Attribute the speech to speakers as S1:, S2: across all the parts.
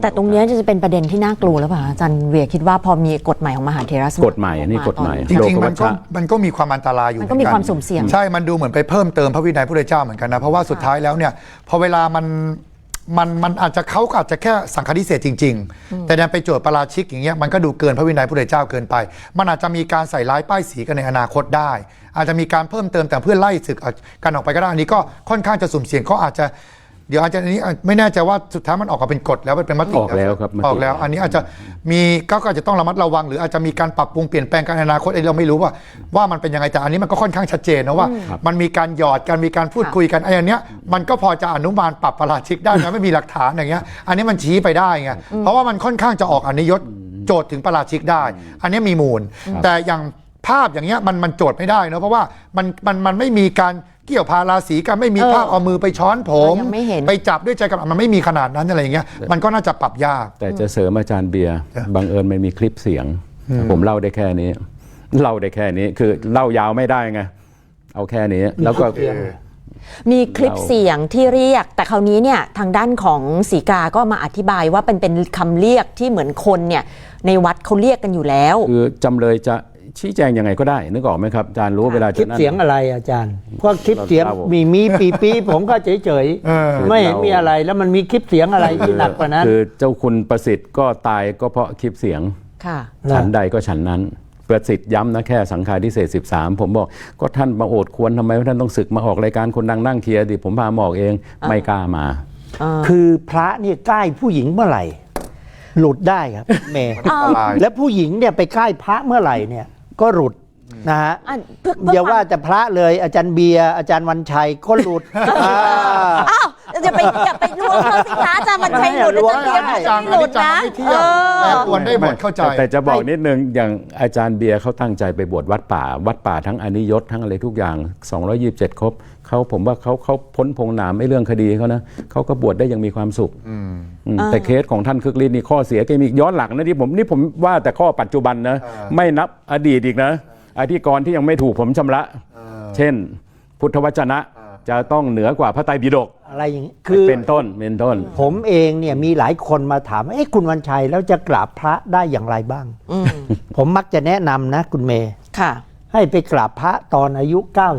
S1: แต่ตรงนี้จะเป็นประเด็นที่น่ากลัวแล้วป่ะอาจารย์เวียคิดว่าพอมีกฎใหม่ของมหาเถรสมาคม
S2: กฎใหม่นี่กฎใหม่
S3: จริงๆมันก็มีความอันตรายอยู่
S1: มันก็มีความสุ่มเสี่ยง
S3: ใช่มันดูเหมือนไปเพิ่มเติมพระวินัยพระพุทธเจ้าเหมือนกันนะเพราะว่าสุดท้ายแล้วเนี่ยพอเวลามันอาจจะเขาอาจจะแค่สังฆาทิเศษจริงๆแต่ดันไปโจทย์ปาราชิกอย่างเงี้ยมันก็ดูเกินพระวินัยพระพุทธเจ้าเกินไปมันอาจจะมีการใส่ร้ายป้ายสีกันในอนาคตได้อาจจะมีการเพิ่มเติมแต่เพื่อไล่ศึกกันออกไปก็ได้อันนี้ก็ค่อนข้างจะสุ่มเสี่ยงเขาอาจจะเดี๋ยวอาจจะนี้ไม่แน่ใจว่าสุดท้ายมันออกมาเป็นกฎแล้วเป็นมติ
S2: ออกแล้วครับ
S3: ออกแล้วอันนี้อาจจะมีก็อาจจะต้องระมัดระวังหรืออาจจะมีการปรับปรุงเปลี่ยนแปลงกันในอนาคตเราไม่รู้ว่ามันเป็นยังไงแต่อันนี้มันก็ค่อนข้างชัดเจนนะว่ามันมีการหยอดกันมีการพูดคุยกันไอ้อันเนี้ยมันก็พอจะอนุมานปรับประราชิกได้นะไม่มีหลักฐานอย่างเงี้ยอันนี้มันชี้ไปได้ไงเพราะว่ามันค่อนข้างจะออกอนิยศโจทย์ถึงประราชิกได้อันนี้มีมูลแต่อย่างภาพอย่างเงี้ยมันโจทย์ไม่ได้นะเพราะว่ามันไม่มีการเกี่ยวพาราศีกันไม่มีภาพเอามือไปช้อนผมไปจับด้วยใจกับมันไม่มีขนาดนั้นอะไรอย่างเงี้ยมันก็น่าจะปรับยาก
S2: แต่จะเสริมอาจารย์เบียร์บังเอิญมันมีคลิปเสียงผมเล่าได้แค่นี้คือเล่ายาวไม่ได้ไงเอาแค่นี้แล้วก็
S1: มีคลิปเสียงที่เรียกแต่คราวนี้เนี่ยทางด้านของศรีกาก็มาอธิบายว่าเป็นคำเรียกที่เหมือนคนเนี่ยในวัดเขาเรียกกันอยู่แล้ว
S2: คือจำเลยจะชี้แจงยังไงก็ได้นึกออกไหมครับอาจารย์รู้เวลา
S4: คลิปเสียงอะไรอาจารย์พวกคลิปเสียงมีปีผมก็เฉยไม่เห็นมีอะไรแล้วมันมีคลิปเสียงอะไรที่หนักกว่านั้น
S2: คือเจ้าคุณประสิทธิ์ก็ตายก็เพราะคลิปเสียงฉันใดก็ฉันนั้นประสิทธิ์ย้ำนะแค่สังฆาทิเศษ13ผมบอกก็ท่านมาโอดควรทำไมท่านต้องศึกมาออกรายการคนดังนั่งเคลียร์ดิผมพามาออกเองไม่กล้ามา
S4: คือพระเนี่ยใกล้ผู้หญิงเมื่อไหร่หลุดได้ครับเมย์และผู้หญิงเนี่ยไปใกล้พระเมื่อไหร่เนี่ยก็หลุดนะฮะอย่าว่าจะพระเลยอาจารย์เบียร์อาจารย์วันชัยก็หลุด
S1: อ้าวอย่าไปล้วงเขาสิคะอาจารย์วันชัยหลุดอาจารย์เบียร์ไม่หลุดนะ
S3: ควรได้หมดเข้าใจ
S2: แต่จะบอกนิดนึงอย่างอาจารย์เบียร์เขาตั้งใจไปบวชวัดป่าทั้งอนิยศทั้งอะไรทุกอย่าง227ครบผมว่าเขาพ้นพงหนามไม่เรื่องคดีเขานะเขาก็บวชได้อย่างมีความสุขแต่เคสของท่านคึกฤทธิ์นี่ข้อเสียแกมีย้อนหลังนะที่ผมว่าแต่ข้อปัจจุบันนะไม่นับอดีตอีกนะอธิกรณ์ที่ยังไม่ถูกผมชำระเช่นพุทธวจนะจะต้องเหนือกว่าพระไตรปิฎก
S4: อะไรอย่างนี้คือ
S2: เป็นต้น
S4: ผมเองเนี่ยมีหลายคนมาถามคุณวันชัยแล้วจะกราบพระได้อย่างไรบ้างผมมักจะแนะนำนะคุณเมย์ให้ไปกราบพระตอนอายุ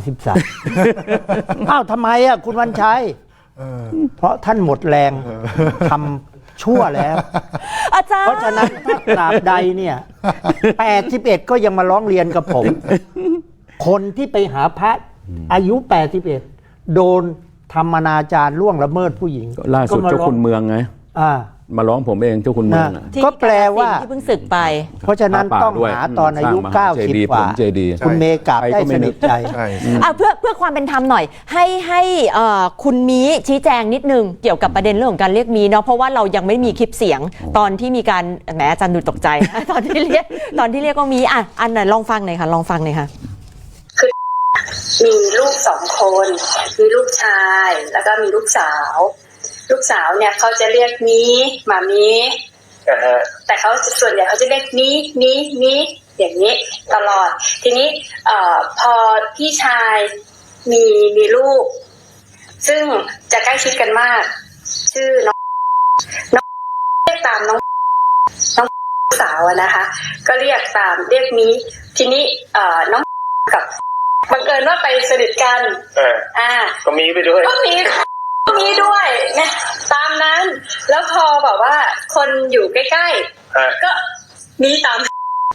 S4: 93อ้าวทำไมอ่ะคุณวันชัยเพราะท่านหมดแรงทำชั่วแล้ว
S1: อาจารย์
S4: เพราะฉะนั้นถ้ากราบใดเนี่ย81ก็ยังมาร้องเรียนกับผมคนที่ไปหาพระอายุ81โดนทำอนาจารล่วงละเมิดผู้หญิง
S2: ล่าสุดเจ้าคุณเมืองไงมาร้องผมเองเจ้าคุณเมือง
S4: ก็แปลว่า
S1: ที่เพิ่งศึกไป
S4: เพราะฉะนั้นต้องหาตอนอายุ90กว่าคุณเมย์กราบได้สนิทใจ
S1: เพื่อความเป็นธรรมหน่อยให้คุณมีชี้แจงนิดนึงเกี่ยวกับประเด็นเรื่องของการเรียกมีเนาะเพราะว่าเรายังไม่มีคลิปเสียงตอนที่มีการแหมอาจารย์ดูตกใจตอนที่เรียกว่ามีอันไหนลองฟังหน่อยค่ะ
S5: คือมีลูก2 คนมีลูกชายแล้วก็มีลูกสาวเนี่ยเขาจะเรียกมีหมามีแต่เขาส่วนใหญ่เขาจะเรียกมีอย่างนี้ตลอดทีนี้พอพี่ชายมีลูกซึ่งจะใกล้ชิดกันมากชื่อน้องเรียกตามน้องสาวนะคะก็เรียกมีทีนี้น้องกับบังเอิญว่าไปสนิทกัน
S6: ก็มีไปด้วย
S5: มีด้วยนะตามนั้นแล้วพอแบบว่าคนอยู่ใกล้ๆก็มีตาม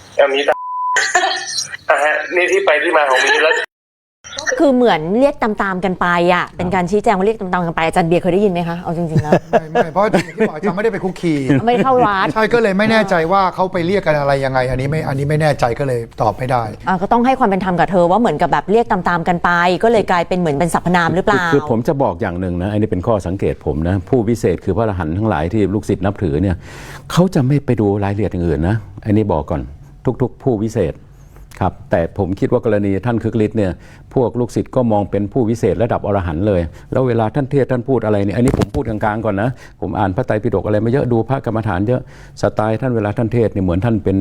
S6: นี่ที่ไปที่มาของมีแล้ว
S1: คือเหมือนเรียกตามๆกันไปเป็นการชี้แจงว่าเรียกตามๆกันไปอาจารย์เบียร์เคยได้ยินไหมคะเอาจริงๆแล้ว
S3: ไม่เพราะที่บอกอาจารย์ไม่ได้ไปคุกคี
S1: ไม่เข้าวัด
S3: ใช่ก็เลยไม่แน่ใจว่าเขาไปเรียกกันอะไรยังไงอันนี้ไม่แน่ใจก็เลยตอบไม่ได้
S1: ก็ต้องให้ความเป็นธรรมกับเธอว่าเหมือนกับแบบเรียกตามๆกันไปก็เลยกลายเป็นเหมือนเป็นสรรพนามหรือเปล่า
S2: คือผมจะบอกอย่างหนึ่งนะอันนี้เป็นข้อสังเกตผมนะผู้วิเศษคือพระอรหันต์ทั้งหลายที่ลูกศิษย์นับถือเนี่ยเขาจะไม่ไปดูรายละเอียดอย่างอื่นนะอันนี้บอกก่อนทุกผู้วิเศษครับแต่ผมคิดว่ากรณีท่านคึกฤทธิ์เนี่ยพวกลูกศิษย์ก็มองเป็นผู้วิเศษระดับอรหันต์เลยแล้วเวลาท่านเทศท่านพูดอะไรเนี่ยอันนี้ผมพูดกลางๆก่อนนะผมอ่านพระไตรปิฎกอะไรมาเยอะดูพระกรรมฐานเยอะสไตล์ท่านเวลาท่านเทศเนี่ยเหมือนท่านเป็น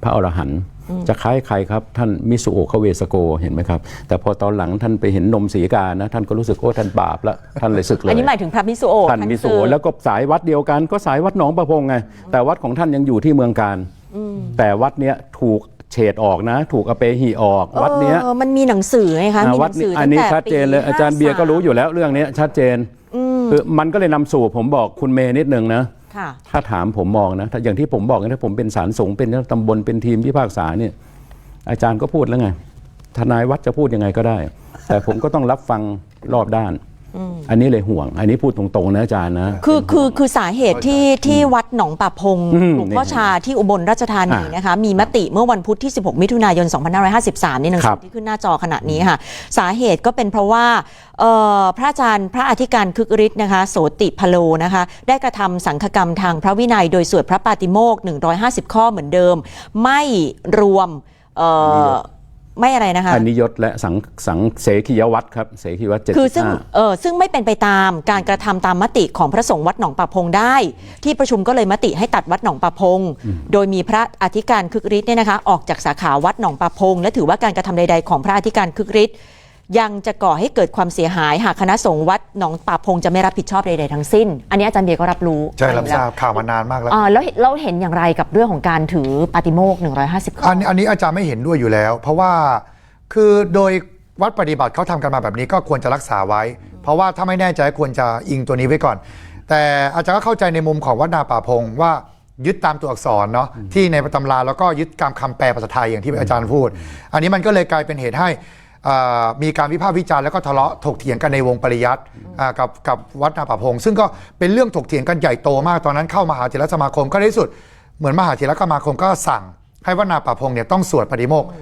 S2: พระอรหันต์จะคล้ายใครครับท่านมิสุโอะคเวสโกเห็นไหมครับแต่พอตอนหลังท่านไปเห็นนมสีกานะท่านก็รู้สึกโอ้ท่านบาปแล้วท่านเลยสึกเลย
S1: อันนี้หมายถึงพระมิสุโอะ
S2: ท่านมิสุโอะแล้วก็สายวัดเดียวกันก็สายวัดหนองประพงไงแต่วัดของท่านยังอยู่ที่เมืองการแต่วัดเนี้ยถูกเฉดออกนะถูกอเปหิออกวัดเนี้ย
S1: มันมีหนังสือไงคะมีห
S2: วัด
S1: นังสือ
S2: อันนี้
S1: ตั้งแต่
S2: ชัดเจนเลยอาจารย์เบียร์ก็รู้อยู่แล้วเรื่องนี้ชัดเจนคือมันก็เลยนำสู่ผมบอกคุณเมย์นิดนึงนะถ้าถามผมมองนะถ้าอย่างที่ผมบอกนะถ้าผมเป็นศาลสงฆ์เป็นตำบลเป็นทีมพิพากษาเนี่ยอาจารย์ก็พูดแล้วไงทนายวัดจะพูดยังไงก็ได้ แต่ผมก็ต้องรับฟังรอบด้านอันนี้เลยห่วงอันนี้พูดตรงๆนะอาจารย์นะ
S1: คือสาเหตุที่วัดหนองป่าพงหลวงพ่อชาที่อุบลราชธานีนะคะมีมติเมื่อวันพุธที่16มิถุนายน2553นี่หนังสือที่ขึ้นหน้าจอขณะนี้ค่ะสาเหตุก็เป็นเพราะว่าพระอาจารย์พระอธิการคึกฤทธิ์นะคะโสติพโลนะคะได้กระทำสังฆกรรมทางพระวินัยโดยสวดพระปาติโมกข์150ข้อเหมือนเดิมไม่รวมไม่อะไรนะคะ
S2: อนิยตและสังเสขียวัตรครับเสขียวัตร75
S1: คือซึ่งไม่เป็นไปตามการกระทำตามมติของพระสงฆ์วัดหนองป่าพงได้ที่ประชุมก็เลยมติให้ตัดวัดหนองป่าพงโดยมีพระอธิการคึกฤทธิ์เนี่ยนะคะออกจากสาขาวัดหนองป่าพงและถือว่าการกระทำใดๆของพระอธิการคึกฤทธิ์ยังจะก่อให้เกิดความเสียหายหากคณะสงฆ์วัดหนองป่าพงจะไม่รับผิดชอบใดๆทั้งสิ้นอันนี้อาจารย์เบียร์ก็รับรู้
S3: ใช่รับทราบข่าวมานานมากแล้ว
S1: แล้วเราเห็นอย่างไรกับเรื่องของการถือปาติโมกข์150ข้อ
S3: อันนี้อาจารย์ไม่เห็นด้วยอยู่แล้วเพราะว่าคือโดยวัดปฏิบัติเขาทำกันมาแบบนี้ก็ควรจะรักษาไว้เพราะว่าถ้าไม่แน่ใจควรจะอิงตัวนี้ไว้ก่อนแต่อาจารย์ก็เข้าใจในมุมของวัดนาป่าพงว่ายึดตามตัวอักษรเนาะที่ในตำราแล้วก็ยึดตามคำแปลภาษาไทยอย่างที่อาจารย์พูดอันนี้มันก็เลยกลายเป็นเหตุให้มีการวิพากษ์วิจารณ์แล้วก็ทะเลาะถกเถียงกันในวงปริยัติกับวัดนาป่าพงซึ่งก็เป็นเรื่องถกเถียงกันใหญ่โตมากตอนนั้นเข้ามหาเถรสมาคมก็ในที่สุดเหมือนมหาเถรสมาคมก็สั่งให้วัดนาป่าพงเนี่ยต้องสวดปาติโมกข์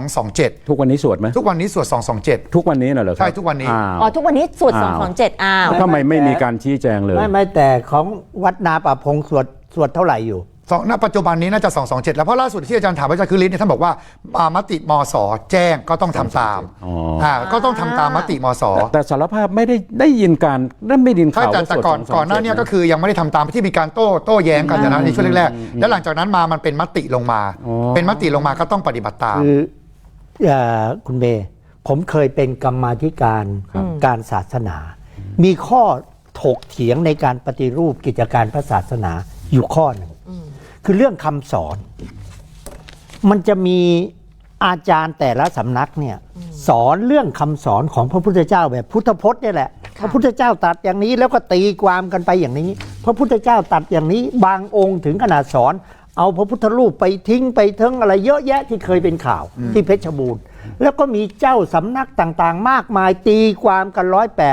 S3: 227
S2: ทุกวันนี้สวดไหม
S3: ทุกวันนี้สวด227
S2: ทุกวันนี้น่ะเหรอครับ
S3: ใช่ทุกวันนี้
S1: ทุกวันนี้สวด227
S2: ทำไมไม่มีการชี้แจงเลย
S4: ไม่แต่ของวัดนาป่าพงสวดเท่าไหร่อยู่
S3: ณปัจจุบันนี้น่าจะ227แล้วเพราะล่าสุดที่อาจารย์ถามอาจารย์คือฤทธิ์เนี่ยท่านบอกว่ามติมส.แจ้งก็ต้องทำตามก็ต้องทำตามมติมส.
S2: แต่สารภาพไม่ได้ยินการไม่ได้ยินข่าว
S3: แต่ก่อนหน้านี้ก็คือยังไม่ได้ทำตามที่มีการโต้แย้งกันนะในช่วงแรกๆแล้วหลังจากนั้นมันเป็นมติลงมาเป็นมติลงมาก็ต้องปฏิบัติตาม
S4: คือคุณเมย์ผมเคยเป็นกรรมาธิการการศาสนามีข้อถกเถียงในการปฏิรูปกิจการพระศาสนาอยู่ข้อหนึ่งคือเรื่องคำสอนมันจะมีอาจารย์แต่ละสำนักเนี่ยสอนเรื่องคำสอนของพระพุทธเจ้าแบบพุทธพจน์เนี่ยแหละพระพุทธเจ้าตรัสอย่างนี้แล้วก็ตีความกันไปอย่างนี้พระพุทธเจ้าตรัสอย่างนี้บางองค์ถึงขนาดสอนเอาพระพุทธรูปไปทิ้งไปทั้งอะไรเยอะแยะที่เคยเป็นข่าวที่เพชรบูรณ์แล้วก็มีเจ้าสำนักต่างๆมากมายตีความกัน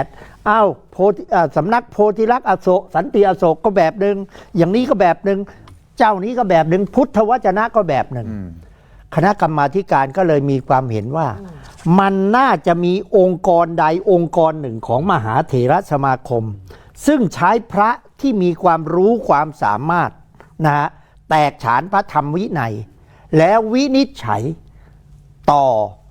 S4: 108สำนักโพธิลักษณ์อโศกสันติอโศกก็แบบนึงอย่างนี้ก็แบบนึงเจ้านี้ก็แบบหนึ่งพุทธวจนะก็แบบหนึ่งคณะกรรมาธิการก็เลยมีความเห็นว่ามันน่าจะมีองค์กรใดองค์กรหนึ่งของมหาเถรสมาคมซึ่งใช้พระที่มีความรู้ความสามารถนะฮะแตกฉานพระธรรมวินัยแล้ววินิจฉัยต่อ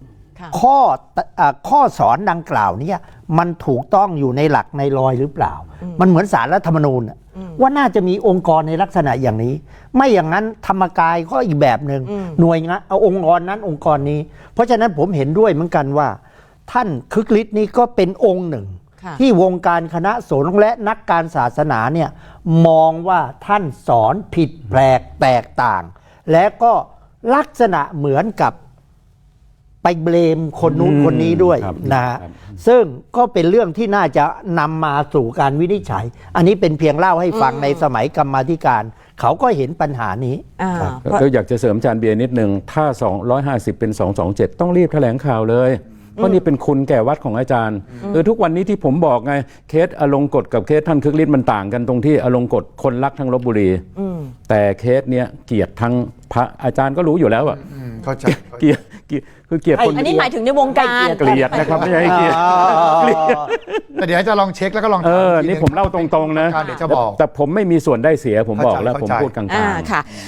S4: ข้อสอนดังกล่าวนี้มันถูกต้องอยู่ในหลักในรอยหรือเปล่ามันเหมือนศาลรัฐธรรมนูญว่าน่าจะมีองค์กรในลักษณะอย่างนี้ไม่อย่างนั้นธรรมกายก็อีกแบบหนึ่งหน่วยงานเอาองค์กรนั้นองค์กรนี้เพราะฉะนั้นผมเห็นด้วยเหมือนกันว่าท่านคึกฤทธิ์นี้ก็เป็นองค์หนึ่งที่วงการคณะสงฆ์และนักการศาสนาเนี่ยมองว่าท่านสอนผิดแปลกแตกต่างและก็ลักษณะเหมือนกับไปเบลมคนนู้นคนนี้ด้วยนะฮะซึ่งก็เป็นเรื่องที่น่าจะนำมาสู่การวินิจฉัยอันนี้เป็นเพียงเล่าให้ฟังในสมัยกรรมาธิการเขาก็เห็นปัญหานี้
S2: ก็อยากจะเสริมอาจารย์เบียร์นิดนึงถ้า250เป็น227ต้องรีบแถลงข่าวเลยเพราะนี่เป็นคุณแก่วัดของอาจารย์ทุกวันนี้ที่ผมบอกไงเคสอลงกฎกับเคสท่านคึกฤทธิ์มันต่างกันตรงที่อลงกฎคนรักทั้งลพบุรีแต่เคสเนี้ยเกลียดทั้งพระอาจารย์ก็รู้อยู่แล้วอะ
S3: เข้าใจ
S2: เกลียดคือเกลียดคน
S1: อันนี้หมายถึงในวงการ
S2: เกลียดนะครับไม่ใช่เกลียด
S3: แต่เดี๋ยวจะลองเช็คแล้วก็ลอง
S2: นี่ผมเล่าตรงๆนะ
S3: เดี๋ยวจะบอก
S2: แต่ผมไม่มีส่วนได้เสียผมบอกแล้วผมพูดกลางๆ